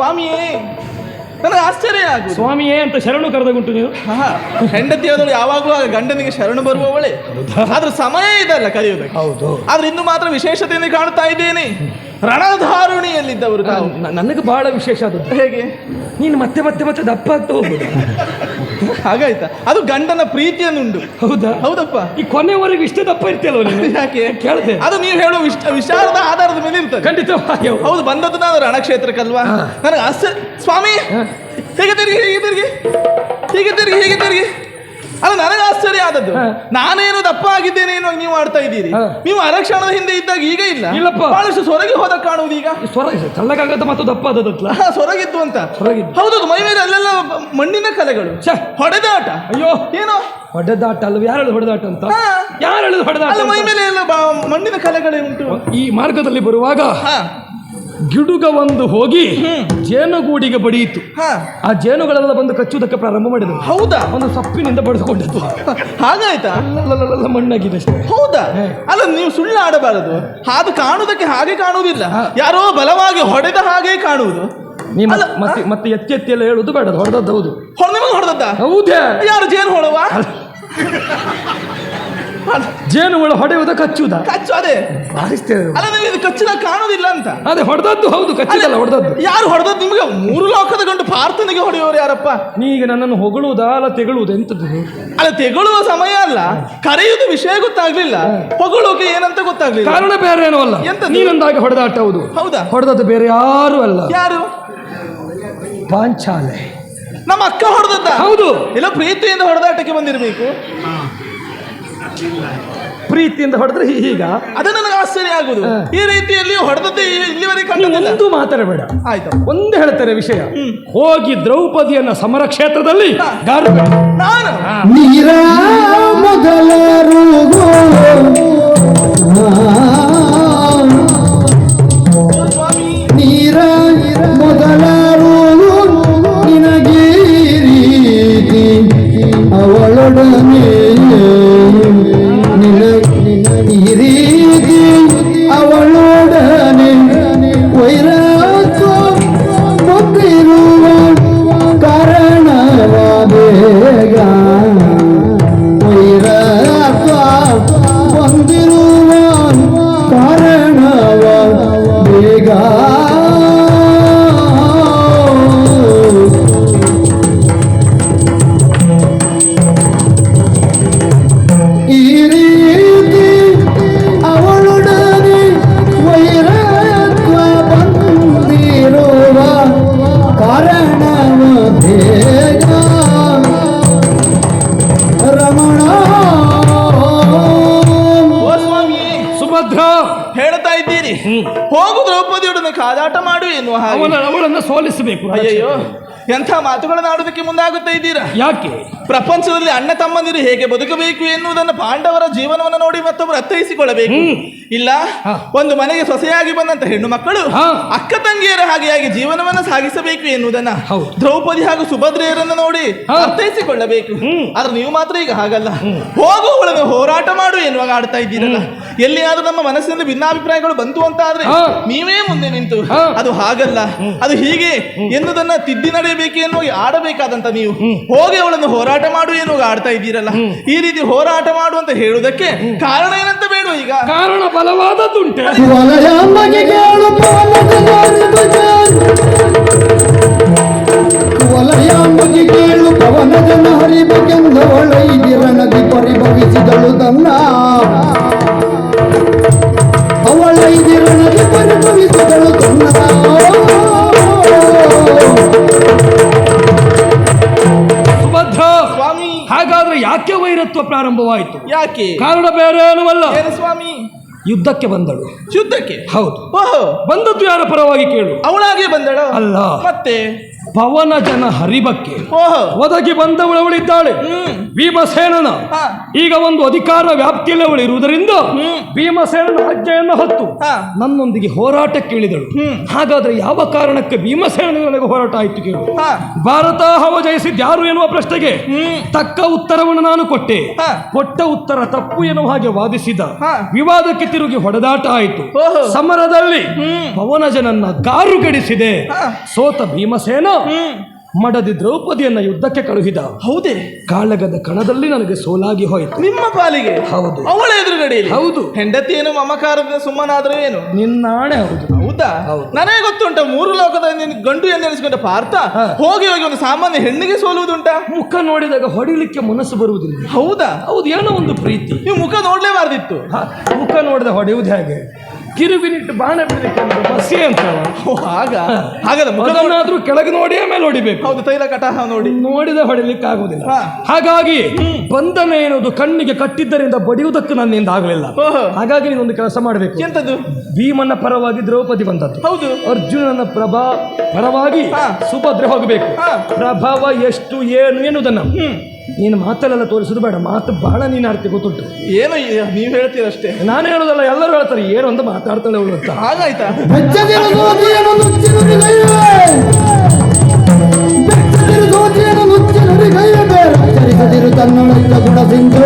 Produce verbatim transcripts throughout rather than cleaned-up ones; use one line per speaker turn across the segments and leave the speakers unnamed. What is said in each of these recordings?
ಸ್ವಾಮಿಯೇ, ನನಗೆ ಆಶ್ಚರ್ಯ ಆಗುದು.
ಸ್ವಾಮಿಯೇ ಅಂತ ಶರಣು ಕರೆದಗುಂಟು ನೀವು.
ಹೆಂಡತಿಯಾದಳು ಯಾವಾಗಲೂ ಆ ಗಂಡನಿಗೆ ಶರಣು ಬರುವವಳೆ. ಆದ್ರೆ ಸಮಯ ಇದಲ್ಲ ಕರೆಯುವುದಕ್ಕೆ.
ಹೌದು.
ಆದ್ರೆ ಇನ್ನು ಮಾತ್ರ ವಿಶೇಷತೆಯನ್ನು ಕಾಣ್ತಾ ಇದ್ದೇನೆ. ರಣಧಾರುಣಿಯಲ್ಲಿದ್ದವರು
ನನಗೆ ಬಹಳ ವಿಶೇಷ ಆದದ್ದು.
ಹೇಗೆ?
ನೀನು ಮತ್ತೆ ಮತ್ತೆ ಮತ್ತೆ ದಪ್ಪ ಆಗ್ತಾ ಹೋಗ್ಬೋದು.
ಹಾಗಾಯ್ತಾ? ಅದು ಗಂಡನ ಪ್ರೀತಿಯನ್ನುಂಟು.
ಹೌದಾ?
ಹೌದಪ್ಪ.
ಈ ಕೊನೆವರೆಗೂ ಇಷ್ಟೇ ದಪ್ಪ ಇರ್ತೀಯಲ್ವ ನೀನು?
ಯಾಕೆ
ಕೇಳಿದೆ.
ಅದು ನೀವು ಹೇಳುವ ವಿಚಾರದ ಆಧಾರದ ಮೇಲೆ ಇರ್ತದೆ.
ಖಂಡಿತವಾಗಿ
ಹೌದು. ಬಂದದ್ದು ನಾನು ರಣಕ್ಷೇತ್ರಕ್ಕಲ್ವಾ. ನನಗೆ ಅಸ ಸ್ವಾಮಿ ಹೇಗೆ ತಿರುಗಿ ಹೀಗೆ ತಿರುಗಿ ಹೀಗೆ ತಿರುಗಿ ಹೀಗೆ ತಿರುಗಿ ಅಲ್ಲ, ನನಗೆ ಆಶ್ಚರ್ಯ ಆದದ್ದು. ನಾನೇನು ದಪ್ಪ ಆಗಿದ್ದೇನೆ ಏನೋ ನೀವು ಆಡ್ತಾ ಇದ್ದೀರಿ. ನೀವು ಅರಕ್ಷಣದ ಹಿಂದೆ ಇದ್ದಾಗ ಈಗ ಇಲ್ಲ.
ಇಲ್ಲಪ್ಪ,
ಬಹಳಷ್ಟು ಸೊರಗಿ ಹೋದ ಕಾಣುವುದು ಈಗ.
ಸ್ವರ ತಳ್ಳಗಾಗತ್ತ ಮತ್ತು ದಪ್ಪ ಆದದತ್ಲ
ಸೊರಗಿತ್ತು ಅಂತ.
ಸೊರಗಿದ್ದು.
ಹೌದು. ಮೈ ಮೇಲೆ ಅಲ್ಲೆಲ್ಲ ಮಣ್ಣಿನ ಕಲೆಗಳು, ಹೊಡೆದಾಟ.
ಅಯ್ಯೋ
ಏನೋ
ಹೊಡೆದಾಟ ಅಲ್ವ? ಯಾರು ಹೊಡೆದಾಟ ಅಂತ? ಯಾರು ಹೇಳಿದ್ರು ಹೊಡೆದಾಟ?
ಮೈ ಮೇಲೆ ಎಲ್ಲ ಮಣ್ಣಿನ ಕಲೆಗಳೇ ಉಂಟು.
ಈ ಮಾರ್ಗದಲ್ಲಿ ಬರುವಾಗ ಗಿಡುಗ ಒಂದು ಹೋಗಿ ಜೇನುಗೂಡಿಗೆ ಬಡಿಯಿತು. ಆ ಜೇನುಗಳೆಲ್ಲ ಬಂದು ಕಚ್ಚುವುದಕ್ಕೆ ಪ್ರಾರಂಭ ಮಾಡಿದ್ರು.
ಹೌದಾ?
ಒಂದು ಸಪ್ಪಿನಿಂದ ಬಡಿದುಕೊಂಡಿದ್ದು.
ಹಾಗಾಯ್ತಾ?
ಅಲ್ಲ, ಮಣ್ಣಾಗಿದೆ ಅಷ್ಟೇ.
ಹೌದಾ? ಅಲ್ಲ, ನೀವು ಸುಳ್ಳು ಆಡಬಾರದು. ಅದು ಕಾಣುವುದಕ್ಕೆ ಹಾಗೆ ಕಾಣುವುದಿಲ್ಲ, ಯಾರೋ ಬಲವಾಗಿ ಹೊಡೆದ ಹಾಗೆ ಕಾಣುವುದು.
ಮತ್ತೆ ಮತ್ತೆ ಎತ್ತಿ ಎತ್ತಿ ಎಲ್ಲ ಹೇಳುದು ಬೇಡ. ಹೊಡೆದದ್ದು ಹೌದು.
ನಿಮಗೆ ಹೊಡೆದದ್ದ?
ಹೌದೇ?
ಯಾರು? ಜೇನು ಹೊಡವಾ?
ಜೇನುಗಳು ಹೊಡೆಯುವುದ ಕಚ್ಚುವುದ?
ಕಚ್ಚು. ಅದೇ ಅಲ್ಲ, ನೀವು ಇದು ಕಚ್ಚಿದ ಕಾಣುವುದಿಲ್ಲ ಅಂತ.
ಅದೇ ಹೊಡೆದದ್ದು ಹೌದು, ಕಚ್ಚಿದಲ್ಲ ಹೊಡೆದದ್ದು.
ಯಾರು ಹೊಡೆದದ್ದು? ನಿಮಗೆ ಮೂರು ಲೋಕದ ಗಂಡು ಪಾರ್ಥನಿಗೆ ಹೊಡೆಯೋರು ಯಾರಪ್ಪ?
ನೀಗ ನನ್ನನ್ನು ಹೊಗಳುವುದಾ ಅಲ್ಲ ತೆಗಳುವುದು? ಎಂತದ್ದು?
ಅಲ್ಲ, ತೆಗಳುವ ಸಮಯ ಅಲ್ಲ, ಕರೆಯುವುದು ವಿಷಯ ಗೊತ್ತಾಗ್ಲಿಲ್ಲ, ಹೊಗಳೋಕೆ ಏನಂತ ಗೊತ್ತಾಗ್ಲಿಲ್ಲ.
ಕಾರಣ ಬೇರೆ ಏನೋ ಅಲ್ಲ. ನೀನೊಂದಾಗಿ ಹೊಡೆದಾಟ. ಹೌದು.
ಹೌದಾ?
ಹೊಡೆದದ್ದು ಬೇರೆ ಯಾರು ಅಲ್ಲ.
ಯಾರು?
ಪಾಂಚಾಲೆ.
ನಮ್ಮ ಅಕ್ಕ ಹೊಡೆದದ್ದ?
ಹೌದು.
ಇಲ್ಲ, ಪ್ರೀತಿಯಿಂದ ಹೊಡೆದಾಟಕ್ಕೆ ಬಂದಿರಬೇಕು.
ಪ್ರೀತಿಯಿಂದ ಹೊಡೆದ್ರೆ ಹೀಗ.
ಅದು ನನಗೆ ಆಶ್ಚರ್ಯ ಆಗುದು. ಈ ರೀತಿಯಲ್ಲಿ ಹೊಡೆದದ್ದೇ ಇಲ್ಲಿವರೆಗೆ ಕಂಡಿಲ್ಲ.
ಒಂದು ಮಾತಾಡಬೇಡ
ಆಯ್ತು.
ಒಂದು ಹೇಳ್ತಾರೆ ವಿಷಯ. ಹೋಗಿ ದ್ರೌಪದಿಯನ್ನ ಸಮರ ಕ್ಷೇತ್ರದಲ್ಲಿ
ನಾನು
ನೀರ ಮೊದಲರು ನೀರ ಮೊದಲರು ನಿನಗೆ ರೀತಿ ಅವಳೊಡನೆ ಈ ರೀತಿ ಅವಳೊಡನೆ ವೈರತ್ವ ಬಂದಿರುವ ಕಾರಣವ ಬೇಗ ವೈರತ್ವ ಬಂದಿರುವ ಕಾರಣವ ಬೇಗ
ಹೇಳ್ತಾ ಇದ್ದೀರಿ ಹೋಗು ದ್ರೌಪದಿಯೊಡನೆ ಕಾದಾಟ ಮಾಡು ಎನ್ನುವ ಹಾಗೆ.
ಅವಳನ್ನು ಸೋಲಿಸಬೇಕು.
ಅಯ್ಯಯ್ಯೋ, ಎಂಥ ಮಾತುಗಳನ್ನು ಆಡೋದಕ್ಕೆ ಮುಂದಾಗುತ್ತಾ ಇದ್ದೀರಾ?
ಯಾಕೆ?
ಪ್ರಪಂಚದಲ್ಲಿ ಅಣ್ಣ ತಮ್ಮಂದಿರು ಹೇಗೆ ಬದುಕಬೇಕು ಎನ್ನುವುದನ್ನು ಪಾಂಡವರ ಜೀವನವನ್ನು ನೋಡಿ ಮತ್ತೊಬ್ಬರು ಅರ್ಥೈಸಿಕೊಳ್ಳಬೇಕು. ಇಲ್ಲ, ಒಂದು ಮನೆಗೆ ಸೊಸೆಯಾಗಿ ಬಂದಂತ ಹೆಣ್ಣು ಮಕ್ಕಳು ಅಕ್ಕ ತಂಗಿಯರ ಹಾಗೆಯಾಗಿ ಜೀವನವನ್ನು ಸಾಗಿಸಬೇಕು ಎನ್ನುವುದನ್ನ ದ್ರೌಪದಿ ಹಾಗೂ ಸುಭದ್ರೆಯರನ್ನು ನೋಡಿ ಅರ್ಥೈಸಿಕೊಳ್ಳಬೇಕು. ಆದ್ರೆ ನೀವು ಮಾತ್ರ ಈಗ ಹಾಗಲ್ಲ. ಹೋಗುವವಳನ್ನು ಹೋರಾಟ ಮಾಡು ಎನ್ನುವಾಗ ಆಡ್ತಾ ಇದ್ದೀರಲ್ಲ. ಎಲ್ಲಿಯಾದ್ರೂ ನಮ್ಮ ಮನಸ್ಸಿನಲ್ಲಿ ಭಿನ್ನಾಭಿಪ್ರಾಯಗಳು ಬಂತು ಅಂತ ಆದ್ರೆ ನೀವೇ ಮುಂದೆ ನಿಂತು ಅದು ಹಾಗಲ್ಲ, ಅದು ಹೀಗೆ ಎನ್ನುವುದನ್ನ ತಿದ್ದಿ ನಡೆಯಬೇಕು ಎನ್ನುವ ಆಡಬೇಕಾದಂತ ನೀವು ಹೋಗಿ ಅವಳನ್ನು ಹೋರಾಟ ಮಾಡು ಎನ್ನುವಾಗ ಆಡ್ತಾ ಇದ್ದೀರಲ್ಲ. ಈ ರೀತಿ ಹೋರಾಟ ಮಾಡು ಅಂತ ಹೇಳುವುದಕ್ಕೆ ಕಾರಣ ಏನಂತ ಬೇಡ. ಈಗ
ಕಾರಣ ಬಲವಾದದ್ದುಂಟೆ.
ವಲಯಾಂಬಗೆ ಕೇಳು ಪವನ ಜನ ಹರಿಬಗೆಂದವಳೈದಿರ ನದಿ ಪರಿಭವಿಸಿದಳು ತನ್ನ ಅವಳೈದಿರ ನದಿ ಪರಿಭವಿಸಿದಳು ತನ್ನ.
ಸುಭದ್ರ ಸ್ವಾಮಿ, ಹಾಗಾದ್ರೆ ಯಾಕೆ ವೈರತ್ವ ಪ್ರಾರಂಭವಾಯಿತು?
ಯಾಕೆ?
ಕಾರಣ ಬೇರೆ ಏನೂ ಅಲ್ಲ.
ಏನು ಸ್ವಾಮಿ?
ಯುದ್ಧಕ್ಕೆ ಬಂದಳು.
ಯುದ್ಧಕ್ಕೆ?
ಹೌದು.
ಓಹೋ,
ಬಂದದ್ದು ಯಾರ ಪರವಾಗಿ ಕೇಳು?
ಅವಳಾಗೆ ಬಂದಳು?
ಅಲ್ಲ,
ಮತ್ತೆ
ಪವನ ಜನ ಹರಿಬಕ್ಕೆ
ಓಹೋ
ಒದಗಿ ಬಂದವಳವಳಿದ್ದಾಳೆ
ಹ್ಮ್
ಭೀಮಸೇನನ
ಹಾ.
ಈಗ ಒಂದು ಅಧಿಕಾರ ವ್ಯಾಪ್ತಿಯಲ್ಲಿ ಅವಳು ಇರುವುದರಿಂದ
ಹ್ಮ್.
ಭೀಮಸೇನನ ಆಜ್ಞೆಯನ್ನು ಹೊತ್ತು
ಹಾ.
ನನ್ನೊಂದಿಗೆ ಹೋರಾಟಕ್ಕೆ ಇಳಿದಳು
ಹ್ಮ್.
ಹಾಗಾದ್ರೆ ಯಾವ ಕಾರಣಕ್ಕೆ ಭೀಮಸೇನ ನನಗೆ ಹೋರಾಟ ಆಯ್ತು ಕೇಳು
ಹಾ.
ಭಾರತ ಹವ ಜಯಿಸಿದ್ ಯಾರು ಎನ್ನುವ ಪ್ರಶ್ನೆಗೆ
ಹ್ಮ್.
ತಕ್ಕ ಉತ್ತರವನ್ನು ನಾನು ಕೊಟ್ಟೆ
ಹಾ.
ಕೊಟ್ಟ ಉತ್ತರ ತಪ್ಪು ಎನ್ನುವ ಹಾಗೆ ವಾದಿಸಿದ
ಹಾ.
ವಿವಾದಕ್ಕೆ ತಿರುಗಿ ಹೊಡೆದಾಟ ಆಯಿತು
ಓಹೋ.
ಸಮರದಲ್ಲಿ
ಹ್ಮ್.
ಪವನಜನನ್ನ ಗಾರುಗಡಿಸಿದೆ
ಹಾ.
ಸೋತ ಭೀಮಸೇನ
ಹ್ಮ್
ಮಡದಿ ದ್ರೌಪದಿಯನ್ನ ಯುದ್ಧಕ್ಕೆ ಕಳುಹಿದ
ಹೌದೇ
ಕಾಳಗದ ಕಣದಲ್ಲಿ ನನಗೆ ಸೋಲಾಗಿ ಹೋಯಿತು
ನಿಮ್ಮ ಪಾಲಿಗೆ
ಹೌದು
ಅವಳ ಎದುರುಗಡೆಯಲ್ಲಿ
ಹೌದು
ಹೆಂಡತಿ ಏನು ಮಮಕಾರದ ಸುಮ್ಮನಾದ್ರೆ ಏನು
ನಿನ್ನಾಣೆ ಹೌದು
ಹೌದಾ
ಹೌದು.
ನನಗೆ ಗೊತ್ತುಂಟ ಮೂರು ಲೋಕದ ನಿನ್ ಗಂಡು ಎನ್ನೆನಿಸಿಕೊಂಡ ಪಾರ್ಥ
ಹಾ.
ಹೋಗಿ ಹೋಗಿ ಒಂದು ಸಾಮಾನ್ಯ ಹೆಣ್ಣಿಗೆ ಸೋಲುವುದುಂಟಾ
ಮುಖ ನೋಡಿದಾಗ ಹೊಡಿಲಿಕ್ಕೆ ಮನಸ್ಸು ಬರುವುದಿಲ್ಲ
ಹೌದಾ
ಹೌದು ಏನೋ ಒಂದು ಪ್ರೀತಿ
ನೀವು ಮುಖ ನೋಡ್ಲೇಬಾರ್ದಿತ್ತು
ಹ, ಮುಖ ನೋಡಿದ ಹೊಡೆಯುವುದು ಹೇಗೆ ಕಿರುಬಿನಿಟ್ಟು ಬಾಣ ಬಿಡಲಿಕ್ಕೆ ಅಂದ್ರೆ ಬಸ್ಸೇ ಅಂತ
ಓ, ಹಾಗ ಹಾಗದ ಮುಖ ನೋಡ್-
ಅದನ್ನಾದ್ರೂ ಕೆಳಗೆ ನೋಡಿ ಆಮೇಲೆ ಹೊಡಿಬೇಕು
ಹೌದು ತೈಲ ಕಟಾಹ ನೋಡಿ
ನೋಡಿದ ಹೊಡಿಲಿಕ್ಕೆ ಆಗುದಿಲ್ಲ
ಹಾ.
ಹಾಗಾಗಿ ಬಂಧನ ಎನ್ನುವುದು ಕಣ್ಣಿಗೆ ಕಟ್ಟಿದ್ದರಿಂದ ಬಡಿಯುವುದಕ್ಕೆ ನನ್ನಿಂದ ಆಗಲಿಲ್ಲ
ಓಹೋ.
ಹಾಗಾಗಿ ನೀನೊಂದು ಕೆಲಸ ಮಾಡಬೇಕು
ಎಂತದ್ದು
ಭೀಮನ ಪರವಾಗಿ ದ್ರೌಪದಿ ಬಂದದ್ದು
ಹೌದು
ಅರ್ಜುನನ ಪ್ರಭಾ ಪರವಾಗಿ
ಹಾ.
ಸುಭದ್ರೆ ಹೋಗಬೇಕು
ಹಾ.
ಪ್ರಭಾವ ಎಷ್ಟು ಏನು ಎನ್ನುವುದನ್ನು
ಹ್ಮ್
ನೀನು ಮಾತಲ್ಲೆಲ್ಲ ತೋರಿಸುದು ಬೇಡ ಮಾತು ಬಹಳ ನೀನು ಆಡ್ತಿ ಗೊತ್ತುಂಟು
ಏನು ಈ- ನೀವ್ ಹೇಳ್ತೀರಷ್ಟೇ
ನಾನು ಹೇಳೋದಲ್ಲ ಎಲ್ಲರೂ ಹೇಳ್ತಾರೆ ಏನು ಅಂತ ಮಾತಾಡ್ತಾಳೆ ಅವಳು ಅಂತ
ಹಾಗಾಯ್ತಾ
ಬೆಚ್ಚದಿರು ಸೋತಿಯನು ನುಚ್ಚಿ ನುಡಿಗೈವೆ ಬೆಚ್ಚದಿರು ಸೋತಿಯನು ನುಚ್ಚಿ ನುಡಿಗೈವೆ ಬೇರಚ್ಚರಿಸದಿರು ತನ್ನೊಳಗಿನ ಗುಣ ಸಿಂಧು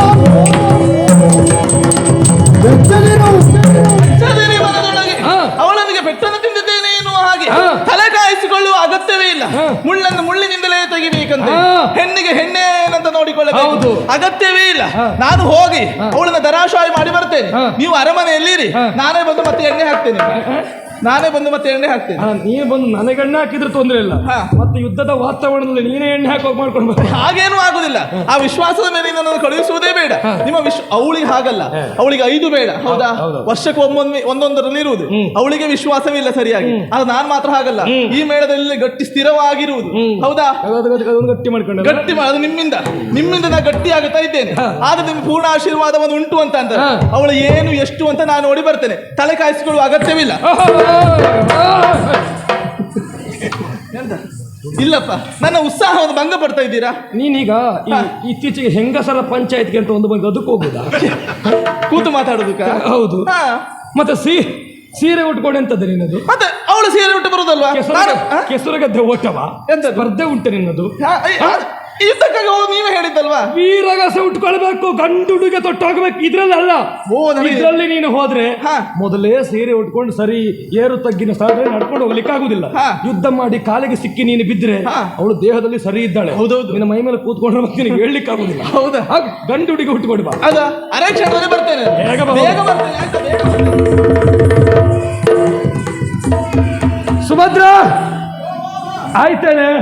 ಬೆಚ್ಚದಿರು
ಸರಿ, ಮನದೊಳಗೆ
ಹಾ.
ಅವಳೊಂದಿಗೆ ಪೆಟ್ಟನ್ನು ತಿಂದಿದ್ದೇನೆ ಎನ್ನುವ ಹಾಗೆ
ಹಾ.
ತಲೆ ಕಾಯಿಸಿಕೊಳ್ಳುವ ಅಗತ್ಯವೇ ಇಲ್ಲ
ಹಾ.
ಮುಳ್ಳನ್ನು ಮುಳ್ಳಿನಿಂದಲೇ ತೆಗಿಬೇಕಂತ
ಹಾ.
ಹೆಣ್ಣಿಗೆ ಹೆಣ್ಣೆ ಏನಂತ ನೋಡಿಕೊಳ್ಳಬೇಕು
ಹೌದು.
ಅಗತ್ಯವೇ ಇಲ್ಲ
ಹಾ.
ನಾನು ಹೋಗಿ
ಹಾ.
ಅವಳನ್ನ ದರಾಶಾಯಿ ಮಾಡಿ ಬರ್ತೇನೆ
ಹಾ.
ನೀವು ಅರಮನೆಯಲ್ಲಿರಿ
ಹಾ.
ನಾನೇ ಬಂದು ಮತ್ತೆ ಎಣ್ಣೆ ಹಾಕ್ತೇನೆ ನಾನೇ ಬಂದು ಮತ್ತೆ ಎಣ್ಣೆ ಹಾಕ್ತೇನೆ
ಆ, ನೀನು ಬಂದು ನನಗೆ ಎಣ್ಣೆ ಹಾಕಿದ್ರೆ ತೊಂದರೆ ಇಲ್ಲ
ಹಾ.
ಮತ್ತೆ ಯುದ್ಧದ ವಾತಾವರಣದಲ್ಲಿ ನೀನೇ ಎಣ್ಣೆ ಹಾಕೋಕ್ ಮಾಡ್ಕೊಂಡು ಬಾ.
ಹಾಗೇನೂ ಆಗುದಿಲ್ಲ ಆ ವಿಶ್ವಾಸದ ಮೇಲೆ ನನ್ನನ್ನು ಕಳುಹಿಸುವುದೇ ಬೇಡ
ಹಾ.
ನಿಮ್ಮ ವಿಶ್ವ ಅವಳಿಗೆ ಹಾಗಲ್ಲ
ಹಾ.
ಅವಳಿಗೆ ಐದು ಬೇಡ ಹೌದಾ
ಹೌದು.
ವರ್ಷಕ್ಕೆ ಒಮ್ಮೊಮ್ಮೆ ಒಂದೊಂದರಲ್ಲಿ ಇರುವುದು
ಹ್ಮ್.
ಅವಳಿಗೆ ವಿಶ್ವಾಸವಿಲ್ಲ ಸರಿಯಾಗಿ ಅದು ನಾನ್ ಮಾತ್ರ ಹಾಗಲ್ಲ
ಹ್ಮ್.
ಈ ಮೇಳದಲ್ಲಿ ಗಟ್ಟಿ ಸ್ಥಿರವಾಗಿರುವುದು
ಹ್ಮ್.
ಹೌದಾ
ಅದು- ಅದು- ಅದು- ಅದನ್ನು ಗಟ್ಟಿ ಮಾಡ್ಕೊಂಡು
ಗಟ್ಟಿ ಮಾ- ಅದು ನಿಮ್ಮಿಂದ ನಿಮ್ಮಿಂದ ನಾ ಗಟ್ಟಿ ಆಗುತ್ತಾ ಇದ್ದೇನೆ
ಹಾ.
ಆದ್ರೆ ನಿಮ್ಗೆ ಪೂರ್ಣ ಆಶೀರ್ವಾದವನ್ನು ಉಂಟು ಅಂತ ಅಂತಾರೆ
ಹಾ.
ಅವಳು ಏನು ಎಷ್ಟು ಅಂತ ನಾನು ನೋಡಿ ಬರ್ತೇನೆ ತಲೆ ಕಾಯಿಸಿಕೊಳ್ಳುವ ಅಗತ್ಯವಿಲ್ಲ ಎಂತ ಇಲ್ಲಪ್ಪ ನನ್ನ ಉತ್ಸಾಹವನ್ನು ಭಂಗ ಪಡ್ತಾ ಇದ್ದೀರಾ
ನೀನೀಗ ಈ ಇತ್ತೀಚೆಗೆ ಹೆಂಗಸರ ಪಂಚಾಯತ್ಗೆ ಅಂತ ಒಂದು ಬಂದು ಅದಕ್ಕೆ ಹೋಗುದಾ
ಕೂತು ಮಾತಾಡೋದಕ್ಕ
ಹೌದು
ಹಾ
ಮತ್ತೆ ಸೀ ಸೀರೆ ಉಟ್ಕೊಂಡು ಎಂತದ್ದು ನಿನ್ನದು
ಮತ್ತೆ ಅವಳು ಸೀರೆ ಉಟ್ಟು ಬರುದಲ್ವಾ ನಾನು- ಹಾ?
ಕೆಸರುಗದ್ದೆ ಓಟವ
ಎಂತದ್ದು?
ಸ್ಪರ್ಧೆ ಉಂಟು ನಿನ್ನದು
ಹಾ, ಐ- ಆ, ಯುದ್ಧಕ್ಕಾಗಿ ಹೋಗಿ ನೀವೇ ಹೇಳಿದ್ದಲ್ವಾ
ವೀರಗಸೆ ಉಟ್ಕೊಳ್ಬೇಕು ಗಂಡುಡುಗೆ ತೊಟ್ಟು ಹೋಗ್ಬೇಕು ಇದ್ರಲ್ಲಿ ಅಲ್ಲ
ಓ, ನನಗೆ-
ಇದ್ರಲ್ಲಿ ನೀನು ಹೋದ್ರೆ
ಹಾ.
ಮೊದಲೇ ಸೀರೆ ಉಟ್ಕೊಂಡು ಸರಿ ಏರು ತಗ್ಗಿನ ಸ್ಥಳದಲ್ಲಿ ನಡ್ಕೊಂಡು ಹೋಗ್ಲಿಕ್ಕೆ ಆಗುದಿಲ್ಲ
ಹಾ.
ಯುದ್ಧ ಮಾಡಿ ಕಾಲಿಗೆ ಸಿಕ್ಕಿ ನೀನು ಬಿದ್ರೆ
ಹಾ.
ಅವಳು ದೇಹದಲ್ಲಿ ಸರಿ ಇದ್ದಾಳೆ
ಹೌದೌದು.
ನಿನ್ನ ಮೈ ಮೇಲೆ ಕೂತ್ಕೊಂಡ್ರೆ ಮತ್ತೆ ನಿನಗೆ ಹೇಳಲಿಕ್ಕೆ ಆಗುದಿಲ್ಲ
ಹೌದಾ
ಹಾಗೆ ಗಂಡುಡುಗೆ ಉಟ್ಕೊಂಡು ಬಾ
ಅದ ಅರೆ ಕ್ಷಣದಲ್ಲಿ ಬರ್ತೇನೆ
ಬೇಗ ಬಾ.
ಬೇಗ ಬರ್ತೇನೆ ಆಯ್ತಾ? ಬೇಗ ಬರ್ತೇನೆ.
ಸುಭದ್ರ ಆಯ್ತೇನೆ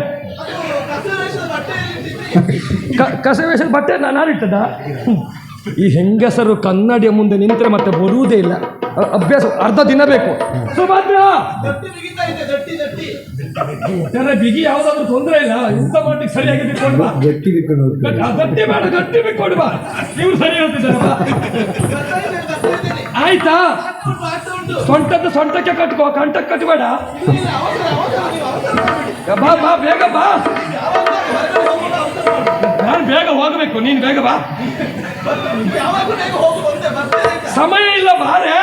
ಕ- ಕಸವೇಶದ ಬಟ್ಟೆ ನಾನು ಇಟ್ಟದ ಈ ಹೆಂಗಸರು ಕನ್ನಡಿಯ ಮುಂದೆ ನಿಂತರೆ ಮತ್ತೆ ಬರುವುದೇ ಇಲ್ಲ ಅ- ಅಭ್ಯಾಸ ಅರ್ಧ ದಿನ ಬೇಕು ಸುಭದ್ರ
ದಟ್ಟಿ ಬಿಗಿತಾ ಇದೆ, ದಟ್ಟಿ, ದಟ್ಟಿ.
ಒಟ್ಟಾರೆ ಬಿಗಿ ಯಾವ್ದಾದ್ರು ತೊಂದರೆ ಇಲ್ಲ ಯುದ್ಧ ಮಾಡ್ಲಿಕ್ಕೆ ಸರಿಯಾಗಿ ಬಿಟ್ಕೊಂಡು ಬಾ
ಗಟ್ಟಿ ಬಿಟ್ಟು
ಗಟ್ಟಿ- ಆ, ಗಟ್ಟಿ ಬೇಡ ಗಟ್ಟಿ ಬಿಟ್ಕೊಂಡು ಬಾ ಇವ್ರು ಸರಿ ಹೇಳ್ತಿದ್ದಾರೆ ಬಾ.
ಬರ್ತಾ ಇದ್ದೇನೆ, ಬರ್ತಾ ಇದ್ದೇನೆ.
ಆಯ್ತಾ
ಉಂಟು, ಆಗ್ತಾ ಉಂಟು.
ಸೊಂಟದ್ದು ಸೊಂಟಕ್ಕೆ ಕಟ್ಕೋ ಕಂಠಕ್ಕೆ ಕಟ್ಟಬೇಡ
ಇಲ್ಲ, ಇಲ್ಲ, ಅವಸರ, ಅವಸರ, ನೀವು ಅವಸರ ಮಾಡಬೇಡಿ.
ಬಾ ಬಾ ಬೇಗ ಬಾ
ಯಾವಾಗ ಹೊರಗಡೆ ಹೋಗುವಾಗ ಅವಸರ ಮಾಡಬೇಡಿ.
ನಾನು ಬೇಗ ಹೋಗಬೇಕು ನೀನು ಬೇಗ ಬಾ
ಯಾವಾಗ ಬೇಗ ಹೋಗು ಬಂದೆ, ಬರ್ತೇನೆ ಆಯ್ತಾ?
ಸಮಯ ಇಲ್ಲ ಬಾರೆ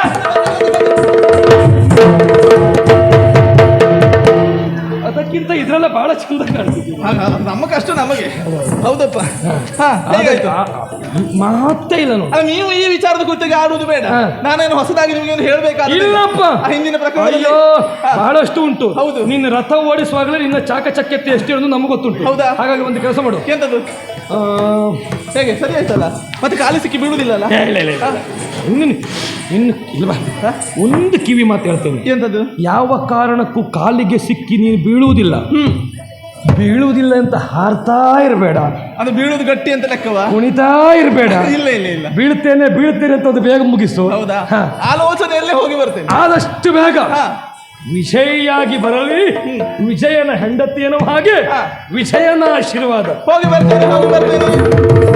ಅದಕ್ಕಿಂತ ಇದ್ರೆಲ್ಲ ಬಹಳ ಚಂದ ಕಾಣ್ತಿದ್ವಿ
ಆಗ ನಮ್ಮ ಕಷ್ಟ ನಮಗೆ ಹೌದಪ್ಪ ಹಾ ಹೇಗಾಯ್ತು
ಮಾತೇ ಇಲ್ಲ ನೋಡಿ
ಅಲ್ಲ ನೀವು ಈ ವಿಚಾರದ ಕುರಿತಾಗಿ ಆಡುವುದು ಬೇಡ
ಹಾ.
ನಾನೇನು ಹೊಸದಾಗಿ ನಿಮಗೆ ಒಂದು ಹೇಳ್ಬೇಕಾದ್ರೆ
ಇಲ್ಲಪ್ಪ
ಹಿಂದಿನ ಪ್ರಕರಣದಲ್ಲಿ
ಅಯ್ಯೋ
ಹಾ.
ಬಹಳಷ್ಟು ಉಂಟು
ಹೌದು.
ನಿನ್ನ ರಥ ಓಡಿಸುವಾಗಲೇ ನಿನ್ನ ಚಾಕಚಕ್ಯತೆ ಎಷ್ಟು ಇರೋದು ನಮಗೆ ಗೊತ್ತುಂಟು
ಹೌದಾ?
ಹಾಗಾಗಿ ಒಂದು ಕೆಲಸ ಮಾಡು
ಎಂತದ್ದು
ಆ,
ಹೇಗೆ ಸರಿ ಆಯ್ತಲ್ಲ ಮತ್ತೆ ಕಾಲಿ ಸಿಕ್ಕಿ ಬೀಳುವುದಿಲ್ಲಲ್ಲ
ಏ, ಇಲ್ಲ ಇಲ್ಲ ಇಲ್ಲ ಇನ್ನು ಇನ್ನು ಇಲ್ವಾ ಒಂದು ಕಿವಿ ಮಾತು ಹೇಳ್ತೇನೆ
ಎಂತದ್ದು
ಯಾವ ಕಾರಣಕ್ಕೂ ಕಾಲಿಗೆ ಸಿಕ್ಕಿ ನೀನು ಬೀಳುವುದಿಲ್ಲ
ಹ್ಮ್
ಬೀಳುವುದಿಲ್ಲ ಅಂತ ಹಾರ್ತಾ ಇರಬೇಡ
ಅದು ಬೀಳುವುದು ಗಟ್ಟಿ ಅಂತ ಲೆಕ್ಕವಾ
ಕುಣಿತಾ ಇರಬೇಡ
ಇಲ್ಲ ಇಲ್ಲ ಇಲ್ಲ
ಬೀಳ್ತೇನೆ ಬೀಳ್ತೇನೆ ಅಂತ ಅದು ಬೇಗ ಮುಗಿಸು
ಹೌದಾ
ಹಾ.
ಆಲೋಚನೆಯಲ್ಲೇ ಹೋಗಿ ಬರ್ತೇನೆ
ಆದಷ್ಟು ಬೇಗ
ಹಾ
ವಿಜಯಿಯಾಗಿ ಬರಲಿ ವಿಜಯನ ಹೆಂಡತಿ ಏನೋ ಹಾಗೆ
ಹಾ.
ವಿಜಯನ ಆಶೀರ್ವಾದ
ಹೋಗಿ ಬರ್ತೇನೆ ಹೋಗಿ ಬರ್ತೇನೆ